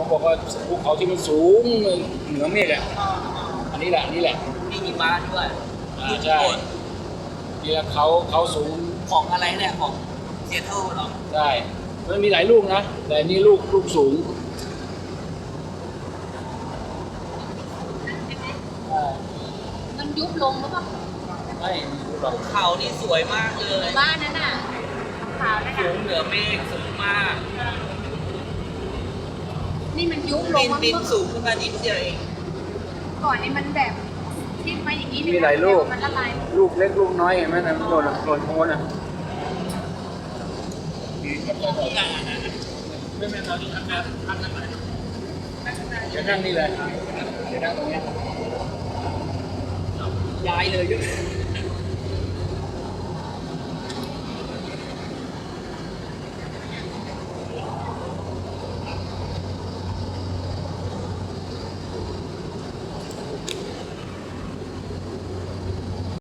เขาบอกว่าภูเขาที่มันสูงเหนือเมฆอ่ะอันนี้แหละมีหิมะด้วยใช่นี่แหละเขาสูงของอะไรเนี่ยของเซียโตรหรอใช่มันมีหลายลูกนะแต่นี่ลูกสูงมันยุบลงหรือเปล่าไม่หรอกเขานี่สวยมากเลยบ้านนั้นน่ะขาวนั่นสูน่ะงเหนือเมฆสูงมากนี่มันยุบลงบินสูงขึ้นมานิดเดียวเองก่อนนี่มันแบบที่มาอย่างนี้มีหลายลูกมันละลายลูกเล็กลูกน้อยเห็นไหมนะมันหล่นโคนอ่ะไม่เราที่ทำงานไหนเดี๋ยวนั่งนี่เลยเดี๋ยวนั่งตรงนี้ย้ายเลย